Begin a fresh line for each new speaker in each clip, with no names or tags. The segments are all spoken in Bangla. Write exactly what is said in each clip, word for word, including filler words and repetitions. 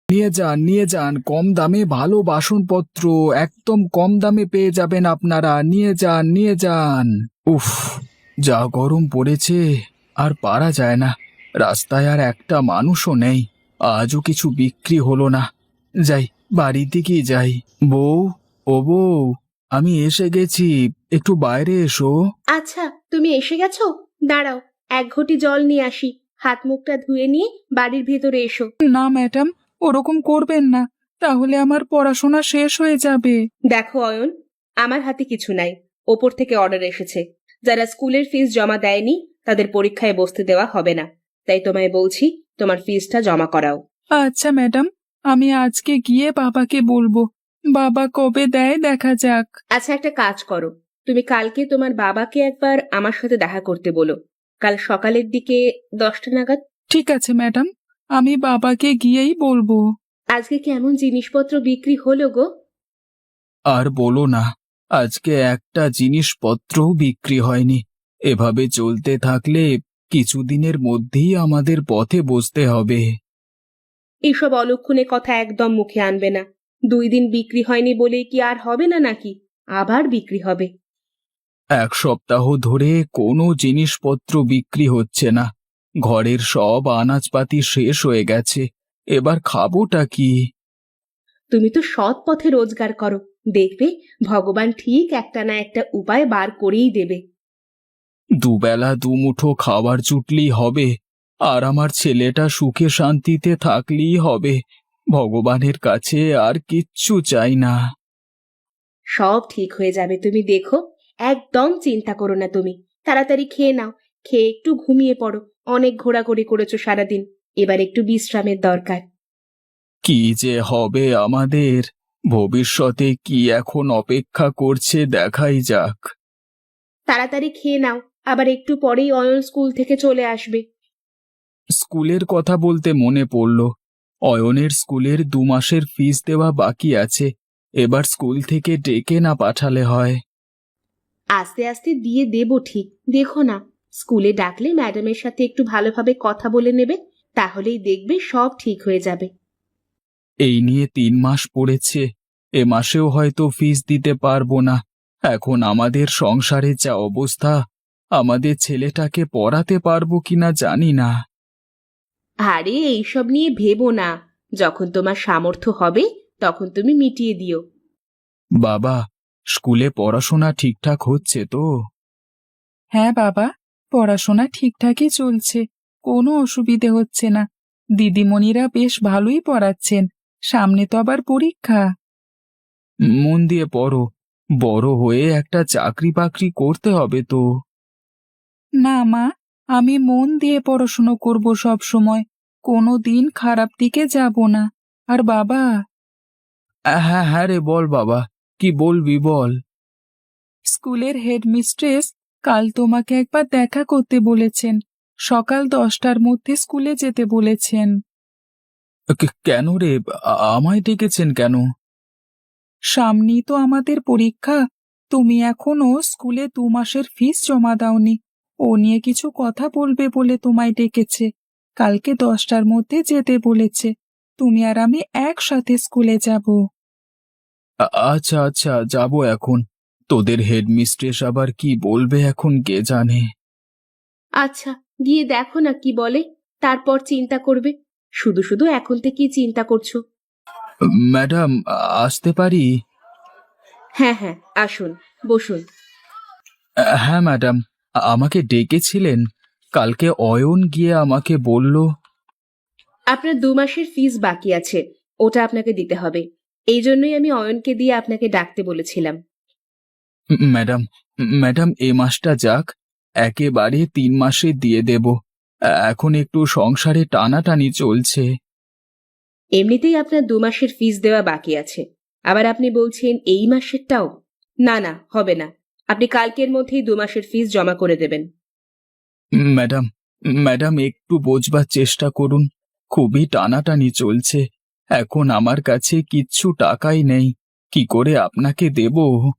নিয়ে যান নিয়ে যান, কম দামে ভালো বাসনপত্র একদম কম দামে পেয়ে যাবেন আপনারা। নিয়ে যান নিয়ে যান। উফ, যা গরম পড়েছে, আর পারা যায় না। রাস্তায় আর একটা মানুষও নেই। আজও কিছু বিক্রি হলো না। যাই, বাড়ির দিকেই যাই। বউ, ও বউ, আমি এসে গেছি, একটু বাইরে এসো।
আচ্ছা, তুমি এসে গেছো? দাঁড়াও, এক ঘটি জল নিয়ে আসি। হাত মুখটা ধুয়ে নিয়ে বাড়ির ভেতরে এসো।
না ম্যাডাম, ওরকম করবেন না, তাহলে আমার পড়াশোনা শেষ হয়ে যাবে।
দেখো অয়ন, আমার হাতে কিছু নাই। ওপর থেকে অর্ডার এসেছে, যারা স্কুলের ফিস জমা দেয়নি তাদের পরীক্ষায় বসতে দেওয়া হবে না। তাই তোমায় বলছি, তোমার ফিসটা জমা করাও।
আচ্ছা ম্যাডাম, আমি আজকে গিয়ে বাবাকে বলবো। বাবা কবে দেয় দেখা যাক।
আচ্ছা, একটা কাজ করো, তুমি কালকে তোমার বাবাকে একবার আমার সাথে দেখা করতে বলো, কাল সকালের দিকে দশটা নাগাদ।
ঠিক আছে ম্যাডাম, আমি বাবাকে গিয়েই বলবো।
আজকে কেমন জিনিসপত্র বিক্রি হলো গো?
আর বলো না, আজকে একটা জিনিসপত্রও বিক্রি হয়নি। এভাবে চলতে থাকলে কিছুদিনের মধ্যেই আমাদের পথে বসতে হবে।
এইসব অলক্ষণে কথা একদম মুখে আনবে না। দুই দিন বিক্রি হয়নি বলেই কি আর হবে না নাকি? আবার বিক্রি হবে।
এক সপ্তাহ ধরে কোনো জিনিসপত্র বিক্রি হচ্ছে না। ঘরের সব আনাজপাতি শেষ হয়ে গেছে। এবার খাবোটা কি?
তুমি তো সৎ পথে রোজগার করো, দেখবে ভগবান ঠিক একটা না একটা উপায় বার করেই দেবে।
দুবেলা দুমুঠো খাবার জুটলেই হবে, আর আমার ছেলেটা সুখে শান্তিতে থাকলেই হবে। ভগবানের কাছে আর কিচ্ছু চাই না।
সব ঠিক হয়ে যাবে, তুমি দেখো। একদম চিন্তা করো না তুমি। তাড়াতাড়ি খেয়ে নাও, খেয়ে একটু ঘুমিয়ে পড়ো। অনেক ঘোরাঘুরি করেছো সারাদিন, এবার একটু বিশ্রামের দরকার।
কি যে হবে আমাদের, ভবিষ্যতে কি এখন অপেক্ষা করছে দেখাই যাক।
তাড়াতাড়ি খেয়ে নাও, আবার একটু পরেই অয়ন স্কুল থেকে চলে আসবে।
স্কুলের কথা বলতে মনে পড়ল, অয়নের স্কুলের দু মাসের ফিস দেওয়া বাকি আছে। এবার স্কুল থেকে ডেকে না পাঠালে হয়।
আস্তে আস্তে দিয়ে দেবো ঠিক, দেখো না। স্কুলে ডাকলে ম্যাডামের সাথে একটু ভালোভাবে কথা বলে নেবে, তাহলেই দেখবে সব ঠিক হয়ে যাবে।
এই নিয়ে তিন মাস পড়েছে, এ মাসেও হয়তো ফিস দিতে পারবো না। এখন আমাদের সংসারের যা অবস্থা, আমাদের ছেলেটাকে পড়াতে পারবো কিনা জানি না।
আরে এইসব নিয়ে ভেবো না, যখন তোমার সামর্থ্য হবে তখন তুমি মিটিয়ে দিও।
বাবা, স্কুলে পড়াশোনা ঠিকঠাক হচ্ছে তো? হ্যাঁ বাবা, পড়াশোনা ঠিকঠাকই চলছে, কোনো অসুবিধে হচ্ছে না। দিদিমণিরা বেশ ভালোই পড়াচ্ছেন, সামনে তো আবার পরীক্ষা। মন দিয়ে পড়ো, বড় হয়ে একটা চাকরি বাকরি করতে হবে তো। না মা, আমি মন দিয়ে পড়াশুনো করব সব সময়, কোনো দিন খারাপ দিকে যাব না। আর বাবা। হ্যাঁ হ্যাঁ রে, বল বাবা, কি বলবি বল। স্কুলের হেডমিস্ট্রেস কাল তোমাকে একবার দেখা করতে বলেছেন, সকাল দশটার মধ্যে স্কুলে যেতে বলেছেন। কেন রে, আ- আমায় ডেকেছেন কেন? সামনেই তো আমাদের পরীক্ষা, তুমি এখনো স্কুলে দু মাসের ফিস জমা দাওনি। ও নিয়ে কিছু কথা বলবে বলে তোমায় ডেকেছে। কালকে দশটার মধ্যে যেতে বলেছে, তুমি আর আমি একসাথে স্কুলে যাব। আচ্ছা আচ্ছা, যাব এখন। তোদের হেডমিস্ট্রেস আবার কি বলবে এখন কে জানে।
আচ্ছা, গিয়ে দেখো না কি বলে, তারপর চিন্তা করবে। শুধু শুধু এখন থেকেই চিন্তা করছো।
ম্যাডাম, আসতে পারি?
হ্যাঁ হ্যাঁ, আসুন, বসুন।
হ্যাঁ ম্যাডাম, আমাকে ডেকেছিলেন। কালকে অয়ন গিয়ে আমাকে বলল।
আপনার দু মাসের ফিস বাকি আছে, ওটা আপনাকে দিতে হবে। এই জন্যই আমি অয়নকে দিয়ে আপনাকে ডাকতে বলেছিলাম।
ম্যাডাম, ম্যাডাম এ মাসটা যাক, একেবারে তিন মাসে দিয়ে দেব। এখন একটু সংসারে টানাটানি চলছে।
এমনিতেই আপনার দু মাসের ফিস দেওয়া বাকি আছে, আবার আপনি বলছেন এই মাসেরটাও? না না, হবে না। আপনি কালকের মধ্যেই দু মাসের ফিস জমা করে দেবেন।
ম্যাডাম, ম্যাডাম একটু বোঝবার চেষ্টা করুন, খুবই টানাটানি চলছে। এখন আমার কাছে কিচ্ছু টাকাই নেই, কি করে আপনাকে দেব?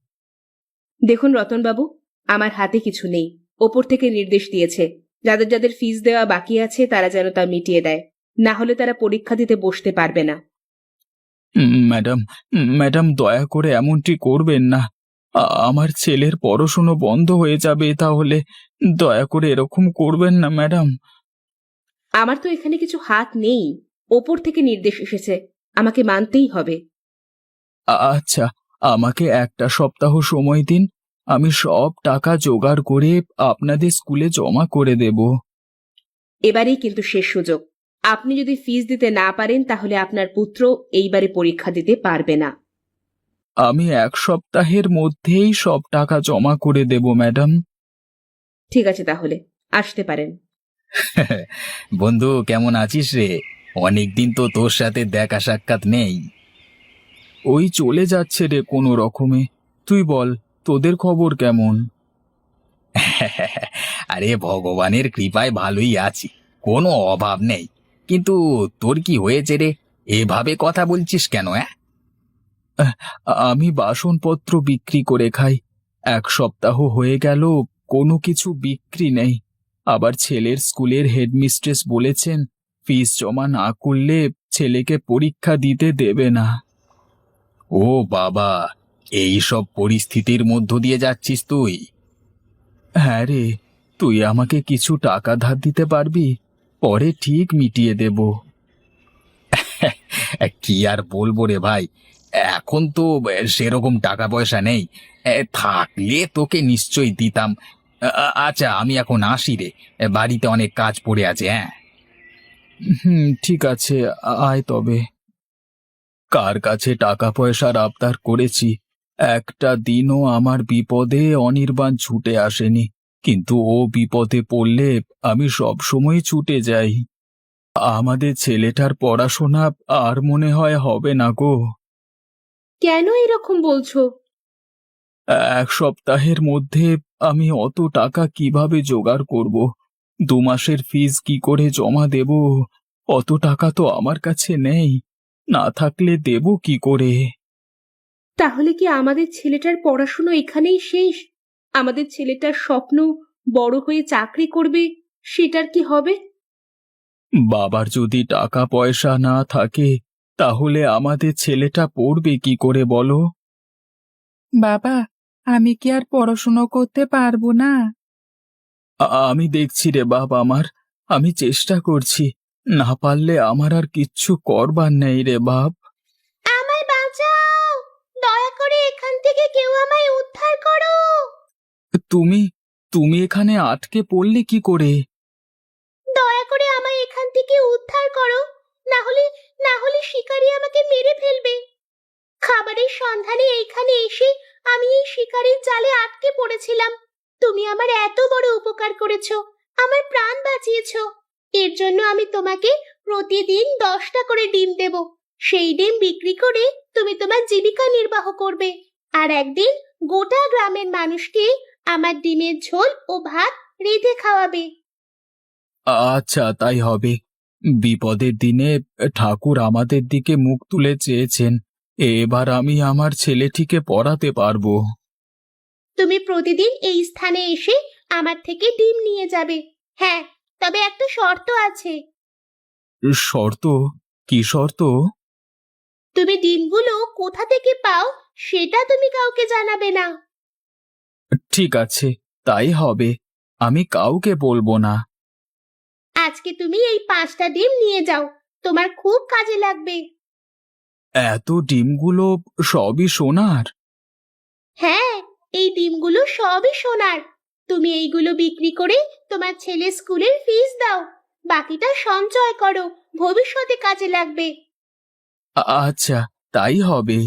দেখুন রতনবাবু, আমার হাতে কিছু নেই। ওপর থেকে নির্দেশ দিয়েছে, যাদের যাদের ফিস দেওয়া বাকি আছে তারা যেন তা মিটিয়ে দেয়, না হলে তারা পরীক্ষা দিতে বসতে পারবে না।
উম, ম্যাডাম উম, ম্যাডাম দয়া করে এমনটি করবেন না। আ- আমার ছেলের পড়াশুনো বন্ধ হয়ে যাবে তাহলে। দয়া করে এরকম করবেন না ম্যাডাম।
আমার তো এখানে কিছু হাত নেই, ওপর থেকে নির্দেশ এসেছে, আমাকে মানতেই হবে।
আ- আচ্ছা, আমাকে একটা সপ্তাহ সময় দিন। আমি সব টাকা জোগাড় করে আপনাদের স্কুলে জমা করে দেব।
এবারেই কিন্তু শেষ সুযোগ। আপনি যদি ফিস দিতে না পারেন তাহলে আপনার পুত্র এইবারে পরীক্ষা দিতে পারবে না।
আমি এক সপ্তাহের মধ্যেই সব টাকা জমা করে দেব ম্যাডাম।
ঠিক আছে, তাহলে আসতে পারেন।
বন্ধু, কেমন আছিস রে? অনেকদিন তো তোর সাথে দেখা সাক্ষাৎ নেই।
ওই চলে যাচ্ছে রে কোনো রকমে। তুই বল, তোদের খবর কেমন?
আরে ভগবানের কৃপায় ভালোই আছি, কোনো অভাব নেই। কিন্তু তোর কি হয়েছে রে? এভাবে কথা বলছিস কেন? হ্যাঁ,
আহ, আমি বাসনপত্র বিক্রি করে খাই। এক সপ্তাহ হয়ে গেল কোনো কিছু বিক্রি নেই। আবার ছেলের স্কুলের হেডমিস্ট্রেস বলেছেন ফিস জমা না করলে ছেলেকে পরীক্ষা দিতে দেবে না।
ও বাবা, এই সব পরিস্থিতির মধ্য দিয়ে যাচ্ছিস তুই?
হ্যাঁ রে, তুই আমাকে কিছু টাকা ধার দিতে পারবি? পরে ঠিক মিটিয়ে দেব।
কি আর বলবো রে ভাই, এখন তো সেরকম টাকা পয়সা নেই। এ, থাকলে তোকে নিশ্চয়ই দিতাম। আ- আ- আচ্ছা, আমি এখন আসি রে, বাড়িতে অনেক কাজ পড়ে আছে। হ্যাঁ,
হুম, ঠিক আছে, আ- আয় তবে। কার কাছে টাকা পয়সার আবদার করেছি, একটা দিনও আমার বিপদে অনির্বাণ ছুটে আসেনি। কিন্তু ও বিপদে পড়লে আমি সব সময় ছুটে যাই। আমাদের ছেলেটার পড়াশোনা আর মনে হয় হবে না গো।
কেন এরকম বলছো?
এক সপ্তাহের মধ্যে আমি অত টাকা কিভাবে জোগাড় করব? দু মাসের ফিস কি করে জমা দেব? অত টাকা তো আমার কাছে নেই। না থাকলে দেব কি করে?
তাহলে কি আমাদের ছেলেটার পড়াশুনো এখানেই শেষ? আমাদের ছেলেটার স্বপ্ন বড় হয়ে চাকরি করবে, সেটার কি হবে?
বাবার যদি টাকা পয়সা না থাকে তাহলে আমাদের ছেলেটা পড়বে কি করে বলো? বাবা, আমি কি আর পড়াশুনো করতে পারবো না? আ- আমি দেখছি রে বাপ আমার, আমি চেষ্টা করছি। না পারলে আমার আর কিচ্ছু করবার নেই রে বাপ।
আমায় বাঁচাও! দয়া করে এখান থেকে কেউ আমায় উদ্ধার করো!
তুমি তুমি এখানে আটকে পড়লে কি করে?
দয়া করে আমায় এখান থেকে উদ্ধার করো, না হলে না হলে শিকারী আমাকে মেরে ফেলবে। খাবারের সন্ধানে এইখানে এসে আমি এই শিকারীর জালে আটকে পড়েছিলাম। তুমি আমার এত বড় উপকার করেছো, আমার প্রাণ বাঁচিয়েছো। এর জন্য আমি তোমাকে প্রতিদিন দশটা করে ডিম দেব। সেই ডিম বিক্রি করে তুমি তোমার জীবিকা নির্বাহ করবে। আর একদিন গোটা গ্রামের মানুষকে আমার ডিমের ঝোল ও ভাত রেঁধে খাওয়াবে।
আচ্ছা, তাই হবে। বিপদের দিনে ঠাকুর আমাদের দিকে মুখ তুলে চেয়েছেন। এবার আমি আমার ছেলেটিকে পড়াতে পারবো।
তুমি প্রতিদিন এই স্থানে এসে আমার থেকে ডিম নিয়ে যাবে। হ্যাঁ, তবে একটা শর্ত আছে।
শর্ত? কি শর্ত?
তুমি ডিমগুলো কোথা থেকে পাও সেটা তুমি কাউকে জানাবে না।
ঠিক আছে, তাই হবে। আমি কাউকে বলবো না।
আজকে তুমি এই পাঁচটা ডিম নিয়ে যাও, তোমার খুব কাজে লাগবে।
এত ডিমগুলো সবই সোনার?
হ্যাঁ, এই ডিমগুলো সবই সোনার। তুমি এইগুলো বিক্রি করে তোমার ছেলে স্কুলের ফিস দাও, বাকিটা সঞ্চয় করো, ভবিষ্যতে কাজে লাগবে।
আ- আচ্ছা, তাই হবে।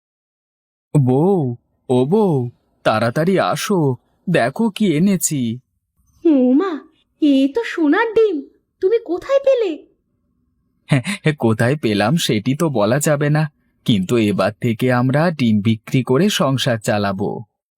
বউ, ও বউ, তাড়াতাড়ি আসো, দেখো কি এনেছি।
উমা, এ তো সোনার ডিম! তুমি কোথায় পেলে?
হ্যাঁ, কোথায় পেলাম সেটি তো বলা যাবে না, কিন্তু এবার থেকে আমরা ডিম বিক্রি করে সংসার চালাবো।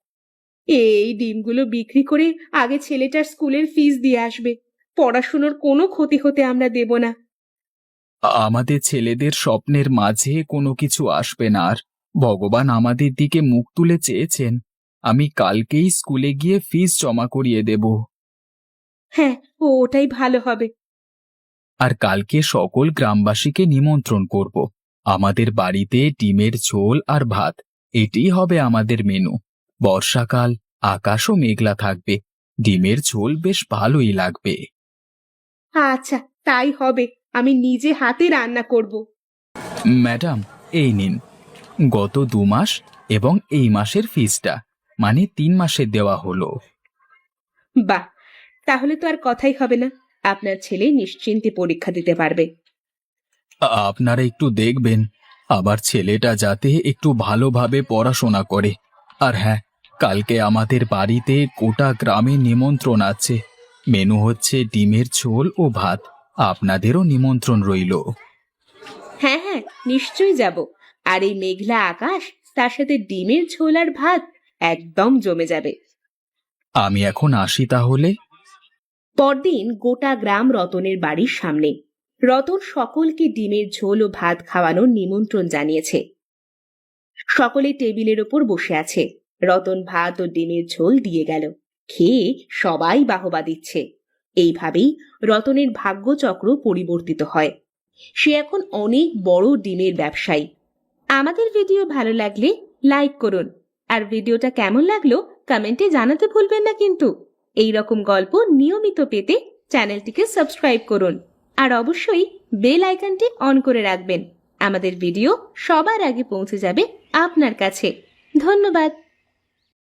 এই ডিমগুলো বিক্রি করে আগে ছেলেটার স্কুলের ফিস দিয়ে আসবে। পড়াশুনোর কোনো ক্ষতি হতে আমরা দেব না।
আমাদের ছেলেদের স্বপ্নের মাঝে কোনো কিছু আসবে না আর। ভগবান আমাদের দিকে মুখ তুলে চেয়েছেন। আমি কালকেই স্কুলে গিয়ে ফিস জমা করিয়ে দেব।
হ্যাঁ, ও ওটাই ভালো হবে।
আর কালকে সকল গ্রামবাসীকে নিমন্ত্রণ করব।
আমাদের বাড়িতে ডিমের ঝোল আর ভাত, এটাই হবে আমাদের মেনু। বর্ষাকাল, আকাশও মেঘলা থাকবে, ডিমের ঝোল বেশ ভালোই লাগবে।
আচ্ছা, তাই হবে। আমি নিজে হাতে রান্না করব।
ম্যাডাম, এই নিন গত দু মাস এবং এই মাসের ফিসটা, মানে তিন মাসের দেওয়া হলো।
বাহ, তাহলে তো আর কথাই হবে না। আপনার ছেলে নিশ্চিন্তে পরীক্ষা দিতে পারবে।
আ- আপনারা একটু দেখবেন আবার ছেলেটা যাতে একটু ভালোভাবে পড়াশোনা করে। আর হ্যাঁ, কালকে আমাদের বাড়িতে গোটা গ্রামে নিমন্ত্রণ আছে। মেনু হচ্ছে ডিমের ঝোল ও ভাত। আপনাদেরও নিমন্ত্রণ রইল।
হ্যাঁ হ্যাঁ, নিশ্চয়ই যাব। আর এই মেঘলা আকাশ, তার সাথে ডিমের ঝোল আর ভাত, একদম জমে যাবে।
আমি এখন আসি তাহলে।
পরদিন গোটা গ্রাম রতনের বাড়ির সামনে। রতন সকলকে ডিমের ঝোল ও ভাত খাওয়ানোর নিমন্ত্রণ জানিয়েছে। সকলে টেবিলের ওপর বসে আছে। রতন ভাত ও ডিমের ঝোল দিয়ে গেল। খেয়ে সবাই বাহবা দিচ্ছে। এইভাবেই রতনের ভাগ্যচক্র পরিবর্তিত হয়। সে এখন অনেক বড় ডিমের ব্যবসায়ী। আমাদের ভিডিও ভালো লাগলে লাইক করুন, আর ভিডিওটা কেমন লাগলো কমেন্টে জানাতে ভুলবেন না কিন্তু। এই রকম গল্প নিয়মিত পেতে চ্যানেলটিকে সাবস্ক্রাইব করুন, আর অবশ্যই বেল আইকনটি অন করে রাখবেন। আমাদের ভিডিও সবার আগে পৌঁছে যাবে আপনার কাছে। ধন্যবাদ।